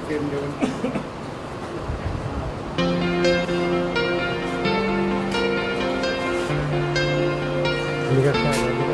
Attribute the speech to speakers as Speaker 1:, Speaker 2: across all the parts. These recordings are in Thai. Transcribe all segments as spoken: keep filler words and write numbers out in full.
Speaker 1: ค็มเดี๋ยวมันอันนี้ก็ใช่อันนี้ก็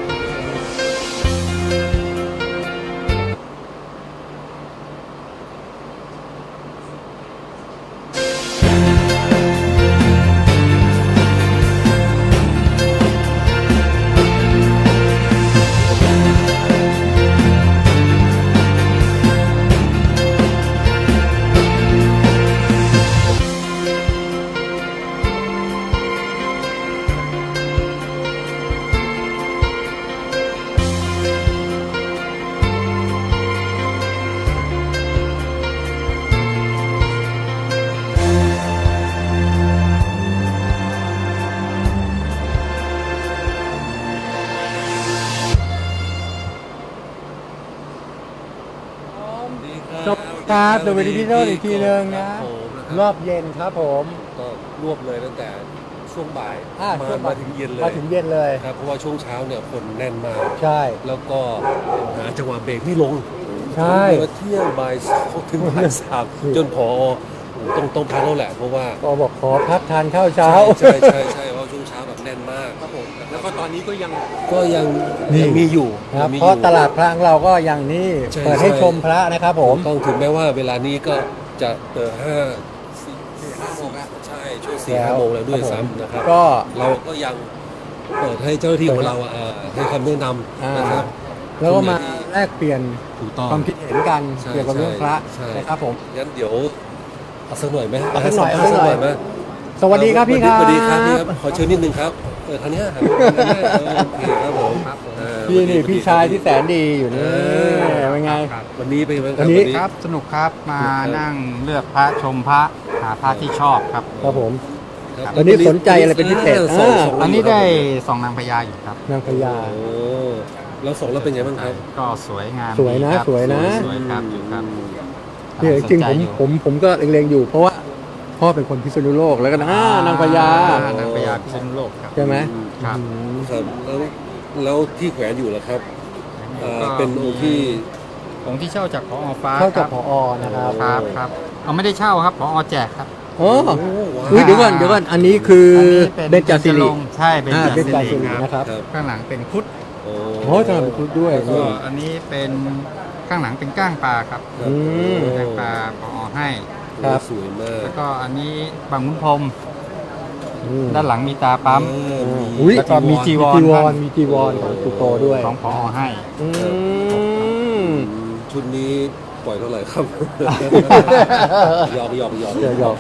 Speaker 1: จบครับดูวิดีโออีกทีนึงนะรอบเย็นครับผม
Speaker 2: ก็รวบเลยตั้งแต่ช่วงบ่ายมามาถึงเย็นเลย
Speaker 1: มาถึงเย็นเลย
Speaker 2: ครับเพราะว่าช่วงเช้าเนี่ยคนแน่นมาก
Speaker 1: ใช่
Speaker 2: แล้วก็หาจังหวะเบรกไม่ลง
Speaker 1: ใช่
Speaker 2: มาเที่ยงบ่ายถึงบ่ายสามจนพอต้องต้องพักแล้วแหละเพราะว่า
Speaker 1: ก็บอกขอพักทานข้าวเช้า
Speaker 2: ใช่ใช่ใช่เพราะช่วงเช้าแบบแน่นมากครับผมแล้วก็ตอนนี้ก็ยังก็ยังยังมีอยู่
Speaker 1: ครับเพราะตลาดพระเราก็ยังนี่เปิดให้ชมพระนะครับผม
Speaker 2: ต้องถึงแม้ว่าเวลานี้ก็จะเปิดห้าสี่ห้าโมงแล้วใช่ช่วงสี่ห้าโมงแล้วด้วยซ้ำนะครับก็เราก็ยังเปิดให้เจ้าหน้าที่ของเราให้คำแนะนำนะครับ
Speaker 1: แล้วก็มาแลกเปลี่ยนความคิดเห็นกันเกี่ยวกับเรื่องพระนะครับผม
Speaker 2: งั้นเดี๋ยวเอาสักหน่อยไหม
Speaker 1: เอาสักหน่อยเอาสักหน่อยไหมสวัสดีครับพี่ครับ
Speaker 2: สวัสดีครับพี่ครับขอเชิญนิดนึงครับเออทางนี้ครับโอเคครับผม
Speaker 1: พี่นี่พี่ชายที่แสนดีอยู่นี่เป็นไง
Speaker 2: วันนี้เป็นไง
Speaker 3: วันนี้ครับสนุกครับมานั่งเลือกพระชมพระหาพระที่ชอบครับ
Speaker 1: ครับผมวันนี้สนใจอะไรเป็นพิเศษ
Speaker 3: อันนี้ได้สองนางพญาอยู่ครับ
Speaker 1: นางพญา
Speaker 2: โอ้แล้วสองแล้วเป็นไงบ้างครับ
Speaker 3: ก็สวยงาม
Speaker 1: สวยนะสวยนะ
Speaker 3: สวยครับอยู่ครับ
Speaker 1: จริงผมผมผมก็เล็งๆอยู่เพราะว่าพ่อเป็นคนพิษณุโลกแล้วก็นางพญาน
Speaker 3: างพญาพิษณุโลกครับ
Speaker 1: ใช่ไหม
Speaker 3: ครับ
Speaker 2: แล้วแล้วที่แขวนอยู่ล่ะครับเป็นองค์ที่
Speaker 3: องค์ที่เช่าจากผอ.ฟ้า
Speaker 1: เช่าจากผอ.นะครับ
Speaker 3: ครับครับเอาไม่ได้เช่าครับผอ.แจกครับ
Speaker 1: โอ้เดี๋ยวก่อนเดี๋ยวก่อนอันนี้คือเบญจศิริ
Speaker 3: ใช่
Speaker 1: เบญจศิรินะครับ
Speaker 3: ข้างหลังเป็นครุฑ
Speaker 1: โอ้ข้างหลังเป็นครุฑด้วย
Speaker 3: อันนี้เป็นข้างหลังเป็นก้างปลาครับก้างปลาผอ.ให้
Speaker 1: ครับ
Speaker 2: สวยมาก
Speaker 3: แล้วก็อันนี้บางมุนพรมด้านหลังมีตาปั๊ม
Speaker 1: แล้วก็มีจีวรมีจีวรของสุโตด้วย
Speaker 3: ของผอ.ให้
Speaker 2: ชุดนี้ปล่อยเท่าไหร่ครับหยอกหยอกหยอก
Speaker 1: หยอก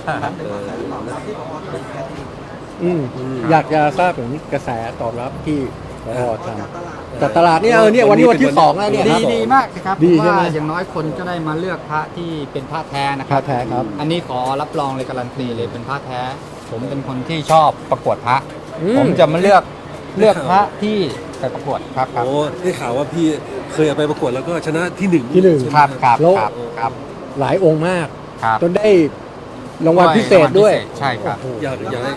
Speaker 1: อยากจะทราบถึงกระแสตอบรับที่พอทำแต่ตลาดนี่เออเนี่ยวันนี้วันที่สองแล้วเนี่ย
Speaker 3: ดีดีมากครับเพราะว่าอย่างน้อยคนก็ได้มาเลือกพระที่เป็นพระแท้นะครับ
Speaker 1: พระแท้ครับ
Speaker 3: อันนี้ขอรับรองเลยการันตีเลยเป็นพระแท้ผมเป็นคนที่ชอบประกวดพระผมจะมาเลือกเลือกพระที่ไปประกวดครับ
Speaker 2: โอ้ได้ข่าวว่าพี่เคยไปประกวดแล้วก็ชนะที่หนึ่ง
Speaker 1: ที่หนึ่ง
Speaker 3: ครับครับครับ
Speaker 1: หลายองค์มากจนได้รางวัลพิเศษด้วย
Speaker 3: ใช่ครับ
Speaker 2: อยากอยากให้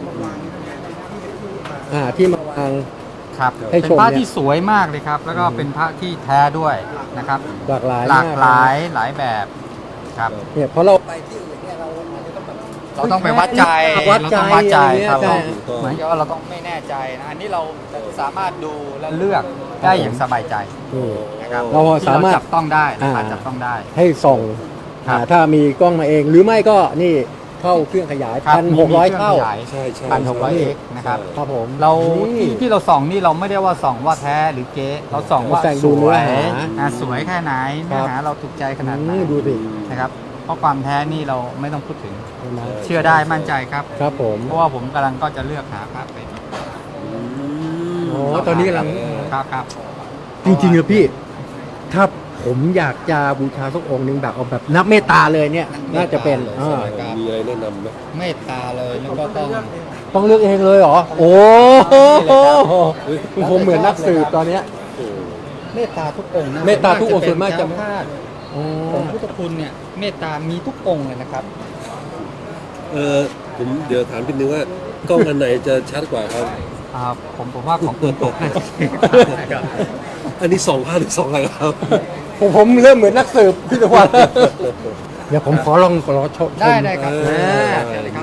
Speaker 1: อ่าที่มาวาง
Speaker 3: ครับเป็นพระที่สวยมากเลยครับแล้วก็เป็นพระที่แท้ด้วยนะครับ
Speaker 1: หลากหลาย
Speaker 3: หลากหลายหลายแบบครับ
Speaker 1: เนี่ยเพราะเราไปที่อื่นเนี่ยเรา
Speaker 3: เราต้องไปวัดใจ
Speaker 1: วัดใจ
Speaker 3: วัดใจครับเหมือนกับว่าเราต้องไม่แน่ใจนะอันนี้เราสามารถดูและเลือกได้อย่างสบายใจนะครับ
Speaker 1: เราสามารถ
Speaker 3: จับต้องได้จับต้องได้
Speaker 1: ให้ส่องถ้ามีกล้องมาเองหรือไม่ก็นี่เข้าเครื่องขยายพันหกร้อยเท่า
Speaker 2: ใช่ใช่
Speaker 3: พันหกร้อยเอ็กนะครับ
Speaker 1: ครับผม
Speaker 3: เราที่ที่เราส่องนี่เราไม่ได้ว่าส่องว่าแท้หรือเก๊เราส่องว่าสวยสวยแค่ไหนเนื้อหาเราถูกใจขนาดไหน
Speaker 1: ดูดิ
Speaker 3: นะครับเพราะความแท้นี่เราไม่ต้องพูดถึงเชื่อได้มั่นใจครับ
Speaker 1: ครับผม
Speaker 3: เพราะว่าผมกำลังก็จะเลือกหาพระไป
Speaker 1: โอ้ตอนนี้กำลัง
Speaker 3: ครับครับ
Speaker 1: จริงๆเลยพี่ถ้าผมอยากจะบูชาสักองค์หนึ่งแบบเอาแบบนับเมตตาเลยเนี่ยน่าจะเป็น
Speaker 2: มีอะไรแนะนำไหม
Speaker 3: เมตตาเลยแล้วก็ต้อง
Speaker 1: ต้องเลือกเองเลยเหรอโอ้ผมเหมือนนักสืบตอนเนี้ย
Speaker 3: เมตตาทุกองค์
Speaker 1: เมตตาทุกองค์ส่วนมากจะ
Speaker 3: พลาดของพุทธคุณเนี่ยเมตตามีทุกองค์เลยนะครับ
Speaker 2: เออผมเดี๋ยวถามนิดนึงว่ากล้องอันไหนจะชัดกว่าครับ
Speaker 3: ครับผมผมว่าของคุณตก
Speaker 2: อันนี้สองภาพหรือสองอะไรครับ
Speaker 1: ผมผมเริ่มเหมือนนักสืบพี่ตะวันเดี๋ยวผมขอลองขอชม
Speaker 3: ได้ได้ครับ
Speaker 1: อ่า
Speaker 3: เชิญเลยครับ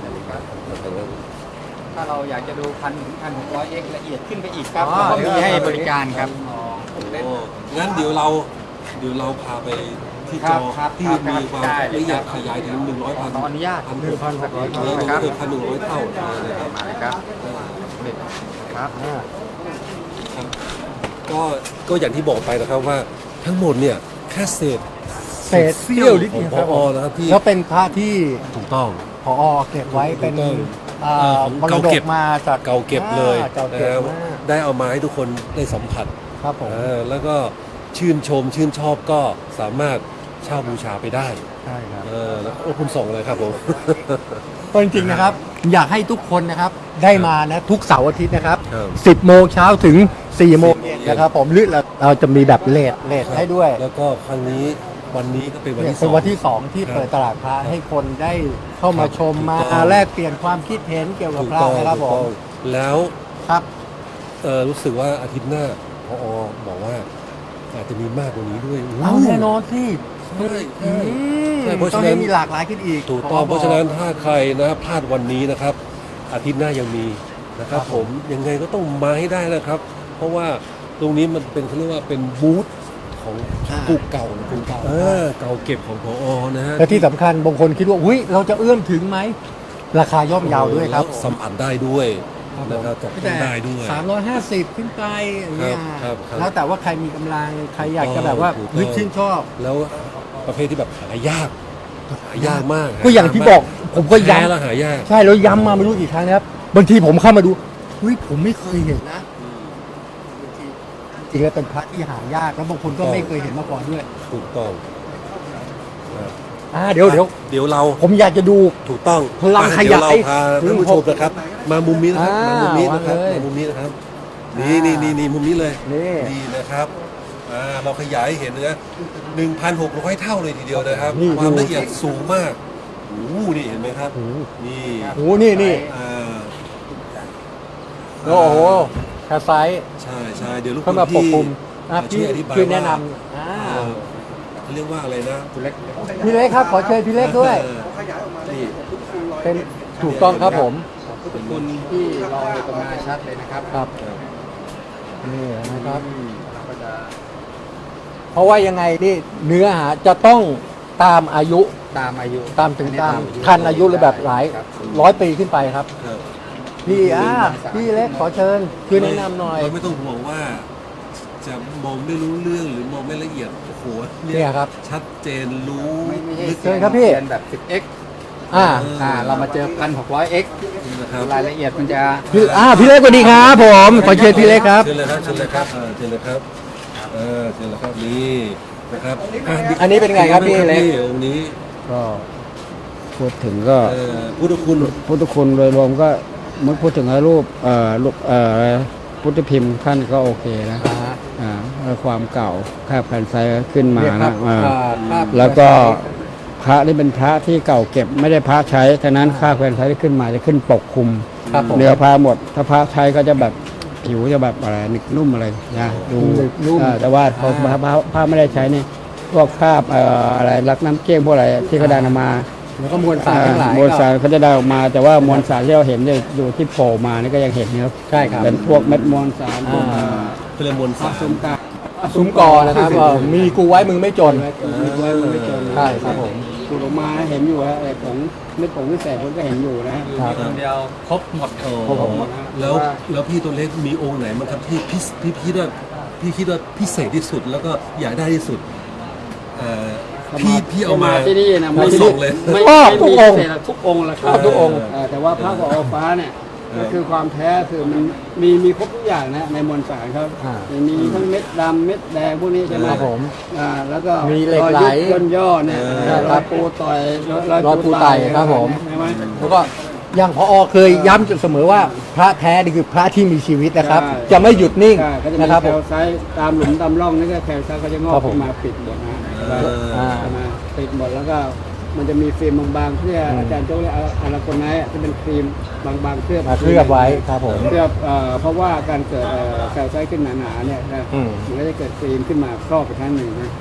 Speaker 3: ถ้าเราอยากจะดูพันถึงพันหกร้อยเอ็กละเอียดขึ้นไปอีกครับเราก็มีให้บริการครับ
Speaker 2: โอ้งั้นเดี๋ยวเราเดี๋ยวเราพาไปที่
Speaker 3: ค
Speaker 2: จ
Speaker 3: รั
Speaker 2: อบ
Speaker 3: ครับ
Speaker 2: ที่
Speaker 3: ครับ
Speaker 2: มีความ
Speaker 3: ได้
Speaker 2: ละเอียดขยายถึงหนึ่งร้อยพัน
Speaker 3: ขออนุญาต
Speaker 2: พัน
Speaker 1: หนึ่งพันหกร้อย
Speaker 2: เออ
Speaker 3: นะครับ
Speaker 2: เกือบพันหนึ่งร้อยเท่านะครับ
Speaker 3: มาเลยครับครับ
Speaker 1: อ่า
Speaker 2: ครับก็ก็อย่างที่บอกไปนะครับว่าทั้งหมดเนี่ยแค่เศษ
Speaker 1: เศษเสี้ยวนิด
Speaker 2: ของ
Speaker 1: เดียว
Speaker 2: พ
Speaker 1: ครับ
Speaker 2: อ
Speaker 1: ผม
Speaker 2: นะครับที่
Speaker 1: แล้วเป็นพระที่
Speaker 2: ถูกต้อง
Speaker 1: พอเก็บไว้เป็น
Speaker 2: ถูกต้อง
Speaker 1: อ่า
Speaker 2: เอ่อของ
Speaker 1: มร
Speaker 2: เก่า
Speaker 1: ด
Speaker 2: เก็
Speaker 1: ก
Speaker 2: บ
Speaker 1: มาจาก
Speaker 2: เก่าเก็บเลย
Speaker 1: อ่าเก่า
Speaker 2: นะ
Speaker 1: เก็บ
Speaker 2: ครับ
Speaker 1: มาก
Speaker 2: ได้เอามาให้ทุกคนได้สัมผัส
Speaker 1: ครับผม
Speaker 2: เออแล้วก็ชื่นชมชื่นชอบก็สามารถเช่าบูชาไปได้
Speaker 1: ใช่ครับ
Speaker 2: เออแล้วโอ้คุณส่งเลยครับผม
Speaker 1: ก็จริงๆนะครับ อยากให้ทุกคนนะครับได้มานะทุกเสาร์อาทิตย์นะครับ
Speaker 2: ครับ
Speaker 1: สิบโมงเช้าถึงสี่โมง
Speaker 2: สี่โมงเย็น
Speaker 1: นะครับผมหรือเราเราจะมีแบบเลทเลทให้ด้วย
Speaker 2: แล้วก็ครั้งนี้วันนี้ก็เป็นวัน
Speaker 1: เนี่ย
Speaker 2: ที่ส
Speaker 1: เป็น
Speaker 2: อง
Speaker 1: วันที่สองที่
Speaker 2: ครับ
Speaker 1: เปิดตลาดพระให้คนได้เข้ามาชม
Speaker 2: ถูก
Speaker 1: มา
Speaker 2: ต้อง
Speaker 1: แลกเปลี่ยนความคิดเห็นเกี่ยวกับ
Speaker 2: ถูก
Speaker 1: พระ
Speaker 2: ต้อง
Speaker 1: นะครับ
Speaker 2: ถู
Speaker 1: ผ
Speaker 2: กต้อ
Speaker 1: ม
Speaker 2: งแล้ว
Speaker 1: ครับ
Speaker 2: เออรู้สึกว่าอาทิตย์หน้าพอบอกว่าอาจจะมีมากกว่านี้ด้วย
Speaker 1: เอาแน่นอนสิ
Speaker 2: ใช่ใช่
Speaker 1: อืม
Speaker 2: ใช่เพราะ
Speaker 1: ต้อ
Speaker 2: ฉะ
Speaker 1: ง
Speaker 2: นั้
Speaker 1: ให้
Speaker 2: น
Speaker 1: มีหลากหลายขึ้นอีก
Speaker 2: ถูกต้อง
Speaker 1: ข
Speaker 2: เพราะฉะนั้นถ้าใครนะพลาดวันนี้นะครับ อาทิตย์หน้ายังมีนะครับ
Speaker 1: ครับ
Speaker 2: ผ
Speaker 1: ผม ม
Speaker 2: ยังไงก็ต้องมาให้ได้นะครับ เพราะว่าตรงนี้มันเป็นเขาเรียกว่าเป็นบูธของกุเก่า
Speaker 1: กุเก่า
Speaker 2: เออเก่าเก็บของพอนะฮะ
Speaker 1: และที่สำคัญบางคนคิดว่าอุ้ยเราจะเอื้อมถึงไหมราคาย่อมเยาวด้วยครับ
Speaker 2: แล้วสัมผัสได้ด้วยนะครับจับต้องได้ด้วย
Speaker 1: สามร้อยห้าสิบขึ้นไปอย่างเงี้ย
Speaker 2: ครับครับ
Speaker 1: แล้วแต่ว่าใครมีกำลังใครอยากจะแบบว่า
Speaker 2: ถูกต้อง
Speaker 1: นึกชื่นชอบ
Speaker 2: แล้วประเภทที่แบบหายากหายากมาก
Speaker 1: ก็อย่างที่บอกผมก็
Speaker 2: แท้แล้ว
Speaker 1: ย้ำ
Speaker 2: หายาก
Speaker 1: ใช่แล้วย้ำมาไม่รู้กี่ครั้งนะครับบางทีผมเข้ามาดูเฮ้ยผมไม่เคยเห็นนะบางทีจริงๆแล้วเป็นพระที่หายากแล้วบางคนก็ไม่เคยเห็นมาก่อนด้วย
Speaker 2: ถูกต้องนะ
Speaker 1: อ่าเดี๋ยวเดี๋ยว
Speaker 2: เดี๋ยวเรา
Speaker 1: ผมอยากจะดู
Speaker 2: ถูกต้อง
Speaker 1: พลังขยาย
Speaker 2: เดี๋วเราพาท่านผู้ชมนะครับ มามุมนี้นะครับ
Speaker 1: อ่า
Speaker 2: มามุมนี้นะครับ
Speaker 1: วางเลย
Speaker 2: มามุมนี้นะครับ นี่นี่นี่นี่มุมนี้เลย
Speaker 1: นี่
Speaker 2: นี่นะครับอ่าเราขยายให้เห็นนะหนึ่งพันหกร้อยเท่าเลยทีเดียวนะครับ
Speaker 1: นี่
Speaker 2: ความ
Speaker 1: ดู
Speaker 2: ละเอียดสูงมากโอ้โหนี่เห็นไหมครับ
Speaker 1: โอ้โห
Speaker 2: นี่
Speaker 1: โอ้โหนี่นี่
Speaker 2: อ่า
Speaker 1: โอ้โหแคสไซส์
Speaker 2: ใช่ใช่เดี๋ยวลูก
Speaker 1: เข้ามาปกคลุม
Speaker 2: อ่า
Speaker 1: อ่ะ
Speaker 2: ช่
Speaker 1: พี่
Speaker 2: วยอธิบาย
Speaker 1: ช่วยแนะน
Speaker 2: ว่า
Speaker 1: ำอ่า
Speaker 2: เอ่อเขาเรียกว่าอะไรนะ
Speaker 3: คุณเล็ก
Speaker 1: พี่เล็กครับ ขอเชิญพี่เล็กด้วย
Speaker 2: เออนี่
Speaker 1: เป็นถูกต้องครับผม
Speaker 3: พุทธคุณที่เราเห็นตรงมาชัดเลยนะครับ
Speaker 1: ครับนี่นะครับ
Speaker 3: ก็จะ
Speaker 1: เพราะว่ายังไงนี่เนื้อหาจะต้องตามอายุ
Speaker 3: ตามอายุ
Speaker 1: ตามถึงตามทันอายุเลยแบบหลาย
Speaker 3: ครับ
Speaker 1: ร้อยปีขึ้นไปครับ
Speaker 2: ครับ
Speaker 1: พี่อ่าพี่เล็กขอเชิญช่วยแนะนำหน่อย
Speaker 2: เราไม่ต้องห่วงว่า จะมองไม่รู้เรื่องหรือมองไม่ละเอียดโอ้โห
Speaker 1: เนี่ยครับ
Speaker 2: ชัดเจนรู้
Speaker 3: ไม่ไม่ใช่
Speaker 2: ลึก
Speaker 1: เชิญครับพี่
Speaker 3: เรียนแบบ สิบเอ็กซ์
Speaker 1: อ่า
Speaker 3: อ่าเรามาเจอ หนึ่งพันหกร้อยเอ็กซ์
Speaker 2: นะครับ
Speaker 3: รายละเอียดมันจะ
Speaker 1: พี่อ่าพี่เล็กสวัสดีครับผมขอเชิญพี่เล็กครับ
Speaker 2: เชิญเลยครับเชิญเลยครับเออเชิญเลยครับเออเชิญเลยครับนี่นะครับะ
Speaker 1: อันนี้เป็นไงครับพี่เล็ก
Speaker 2: องค์นี้
Speaker 4: ก็พูดถึงก็
Speaker 2: เอ่อพุทธคุณ
Speaker 4: พุทธคุณโดยรวมก็เมื่อพูดถึงรูปเอ่อรูปเอ่ออะไรพุทธพิมพ์ท่านก็โอเคนะ
Speaker 1: อ่า
Speaker 4: อ่าแล้วความเก่าคาบแผ่นไซขึ้นมา
Speaker 1: เนี่ยครั
Speaker 4: นะ
Speaker 1: บ
Speaker 4: อ่า
Speaker 1: อ่าภาพ
Speaker 4: แล้วก็พระนี่เป็นพระที่เก่าเก็บไม่ได้พระใช้ฉะนั้นคาบแผ่นไซที่ขึ้นมาจะขึ้นปกคลุม
Speaker 1: ครับผม
Speaker 4: เนื้อพระหมด ถ้าพระใช้ก็จะแบบผิวจะแบบอะไรนึกนุ่มอะไรนะดู
Speaker 1: นึกนุ่ม
Speaker 4: อ่าแต่ว่าพอพระพระพระไม่ได้ใช้นี่พวกคราบเอ่ออะไรรักน้ำเกลี้ยงพวกอะไรที่เขาดันออกมา
Speaker 1: แล้วก็มวลสารทั้งหลาย
Speaker 4: มวลสารเขาจะได้ออกมา แต่ว่ามวลสารที่เราเห็นเนี่ยอยู่ที่โผล่มานี่ก็ยังเห็นนะครับ
Speaker 1: ใช่ครับ
Speaker 4: เป็นพวกเม็ดมวลสารพวก
Speaker 1: อ่า
Speaker 2: เป็นเรื่องมวลสาร
Speaker 4: ซุ้มกา
Speaker 1: ซุ้มกอนะครับเออมีกูไว้มึงไม่จน
Speaker 4: มีไว้มันไม่เจอ
Speaker 1: ใช่ครับผม
Speaker 4: ขุดออกมาเห็นอยู่ฮะไอ้ผงเม็ดผงที่แสบผมก็เห็นอยู่นะฮะ
Speaker 1: ครับ
Speaker 3: คนเดียวครบหมด
Speaker 2: โอ้
Speaker 4: ครบหมด
Speaker 2: แล้วแล้วพี่ตัวเล็กมีองค์ไหนบ้างครับที่พี่พี่คิดว่าพี่คิดว่าพิเศษที่สุดแล้วก็อยากได้ที่สุดเอ่อพี่พี่เอามา
Speaker 4: ที่นี่นะไม่
Speaker 2: ส่งเลย
Speaker 4: ไม่
Speaker 1: ชอบ
Speaker 4: ไม่
Speaker 1: ทุก
Speaker 4: มี
Speaker 1: องค์
Speaker 4: เศษทุกองค์แหละครับ
Speaker 1: ชอบทุกองค์
Speaker 4: เแต่ว่าพระกับอฟ้าเนี่ยก็คือความแท้คือมันมีมีครบทุกอย่างนะในมวลสารครับ
Speaker 1: อ่า
Speaker 4: มีทั้งเม็ดดำเม็ดแดงพวกนี้ใช่ไหม
Speaker 1: ครับผม
Speaker 4: อ่าแล้วก็
Speaker 1: มีเหล็กไหล
Speaker 4: รอยยุบย่นย่อเนี่ย
Speaker 2: เออ
Speaker 4: เออรอยปูต่อยรอย
Speaker 1: รอยปูไต่ครับผม
Speaker 4: ใช่ไหม
Speaker 1: แล้วก็อย่างพอเคยย้ำจุดเสมอว่าพระแท้นี่คือพระที่มีชีวิตนะครับ
Speaker 4: ใช่
Speaker 1: จะไม่หยุดนิ่ง
Speaker 4: ใช่ก็จะมี
Speaker 1: นะครับ
Speaker 4: แค
Speaker 1: ผม
Speaker 4: ลไซต์ตามหลุมตามร่องนี่ก็แคลไซต์ก็จะงอ
Speaker 1: ครั
Speaker 4: ก
Speaker 1: บผม
Speaker 4: ขึ้นมาปิดหมดนะ
Speaker 2: เออ
Speaker 1: อ่า
Speaker 4: ใช่ไหมปิดหมดแล้วก็มันจะมีฟิล์มบางๆเพื่อ
Speaker 1: อืม
Speaker 4: อาจารย์โจ้เรียกอาราโกไนท์ที่เป็นฟิล์มบางๆเคลือบ
Speaker 1: มาเคลือบไว้ครับผม
Speaker 4: เคลือบเอ่อเพราะว่าการเกิดเอ่อแคลไซต์ขึ้นหนาๆเนี่ยนะ
Speaker 1: อืม
Speaker 4: มันก็จะเกิดฟิล์มขึ้นมาครอบไปทั้งหนึ่งนะ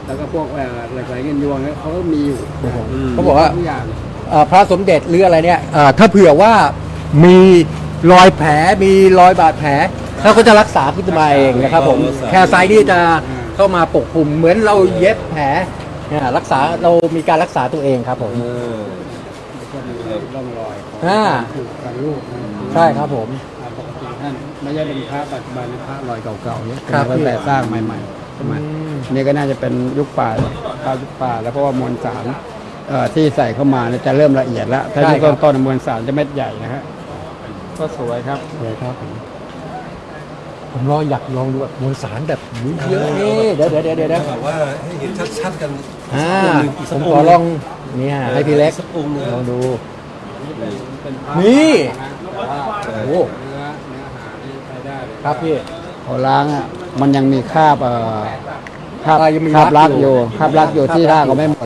Speaker 4: แล้วก็พวกเอ่อเหล็กไหลเงินยวงเนี่ยเขาก็มีอยู่
Speaker 1: เขาบอกว่า
Speaker 4: ทุกอย่าง
Speaker 1: เอ่อพระสมเด็จหรืออะไรเนี่ยเอ่อถ้าเผื่อว่ามีรอยแผลมีรอยบาดแผลเขาก็จะรักษาขึ้นมาเองนะครับผมแคร์ไซด์นี่จะเข้ามาปกคลุมเหมือนเราเย็บแผลเนี่ยรักษาเรามีการรักษาตัวเองครับผม
Speaker 2: เออ
Speaker 4: ก็มีร่องรอยของ
Speaker 1: อ่า
Speaker 4: ถูกกันลูกนะ
Speaker 1: ใช่ครับผม
Speaker 4: อ่าปกติท่านไม่ใช่เป็นพระปัจจุบันเป็นพระรอยเก่าๆเนี่ย
Speaker 1: ครับ
Speaker 4: ตั้งแต่สร้างใหม่ๆใช่ไหม
Speaker 1: อืม
Speaker 4: นี่ก็น่าจะเป็นยุคป่าพระยุคป่าแล้วเพราะว่ามวลสารเอ่อที่ใส่เข้ามาเนี่ยจะเริ่มละเอียดแล้วถ้า
Speaker 1: ใช่
Speaker 4: ยุค
Speaker 1: ครับ
Speaker 4: ต้นๆมวลสารจะเม็ดใหญ่นะฮะก็สวยครับ
Speaker 1: เลยครับผมผมรออยากลองดูแบบมวลสารแบบเยอะๆนี่เดี๋ยวเดี๋ยวเดี๋ยวเดี๋ยว
Speaker 2: แบบว่าให้เห็นชัดๆกัน
Speaker 1: อ่า
Speaker 2: สัก
Speaker 1: ผ
Speaker 2: อง
Speaker 1: ม
Speaker 2: ค์หนึ่ง
Speaker 1: ขอลองเนี่ยให้พี่เล็ก
Speaker 2: สักองค์หนึ่ง
Speaker 1: ลองดู
Speaker 4: เป็นพระ
Speaker 1: นี่
Speaker 4: แต่ว่า
Speaker 1: โอ้
Speaker 4: เนื้อเนื้อหาที่ใช้ได้เลย
Speaker 1: ครับพี่
Speaker 4: พอล้างอ่ะมันยังมีคราบเอ่อคราบ
Speaker 1: อ่ายังมี
Speaker 4: คราบ
Speaker 1: รั
Speaker 4: รั
Speaker 1: ก
Speaker 4: ก
Speaker 1: อ
Speaker 4: อยู่ ยู่คราบรักอยู่
Speaker 1: คราบ
Speaker 4: ที่
Speaker 1: รั
Speaker 4: ราก ก
Speaker 1: อยู่
Speaker 4: ก็ไม่หมด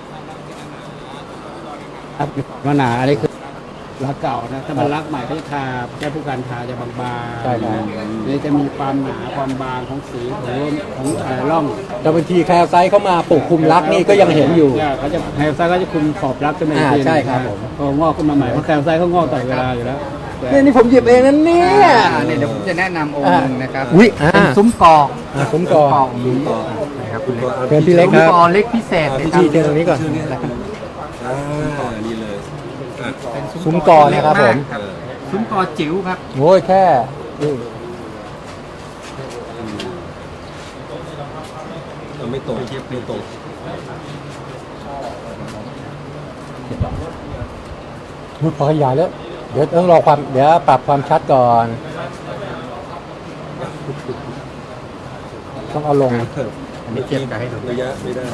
Speaker 4: ครับมันหนาอันนี้คือรักเก่านะถ้ามันรักใหม่ก็จะทาแค่ผู้การทาจะบางๆ
Speaker 1: ใช่ครับ
Speaker 4: นี่จะมีความหนาความบางของสีของของเอ่อร่อง
Speaker 1: แต่บางทีแคลไซต์เข้ามาปกคลุมรักนี่ก็ยังเห็นอยู่
Speaker 4: เนี่ยเขาจะแคลไซต์ก็จะคุมขอบรักขึ้นมาอีก
Speaker 1: อ่า
Speaker 4: ที
Speaker 1: ใช่ครับผม
Speaker 4: ก็งอกขึ้นมาใหม่เพราะแคลไซต์เขางอกตลอดเวลาอยู่แล้ว
Speaker 1: เนี่ยนี่ผมหยิบเองนั่นเนี่ย
Speaker 3: อ่าเนี่ยเดี๋ยวผมจะแนะนำองค์หนึ่งนะครับ
Speaker 1: อุ๊ยอ่า
Speaker 3: เป็นซุ้มกอ
Speaker 1: อ่าผมกอ
Speaker 3: ซุ้มกอนะครับคุณเล็ก
Speaker 1: เชิญพี่เล็ก
Speaker 3: ซุ้
Speaker 1: ค
Speaker 3: ม
Speaker 1: รับ
Speaker 3: กอเล็กพิเศษนะ
Speaker 1: พี่
Speaker 3: ครั
Speaker 1: ที
Speaker 3: บ
Speaker 1: เชิญตรงนี้ก่อน
Speaker 2: ชื่อนี้อ่านี่เลยอ่ะ
Speaker 1: ซุ้มกอเนี่ยครับผม
Speaker 2: เออ
Speaker 3: ซุ้มกอจิ๋วครับ
Speaker 1: โอ้ยแค่นี่
Speaker 2: เอาไม่ตรงไม่ตรง
Speaker 1: มุดพอขยายแล้ว เดี๋ยวต้องรอความเดี๋ยวปรับความชัดก่อน ต้องเอาลง
Speaker 3: อันนี้เทียบกันให้ดู
Speaker 2: ระยะไม่ได้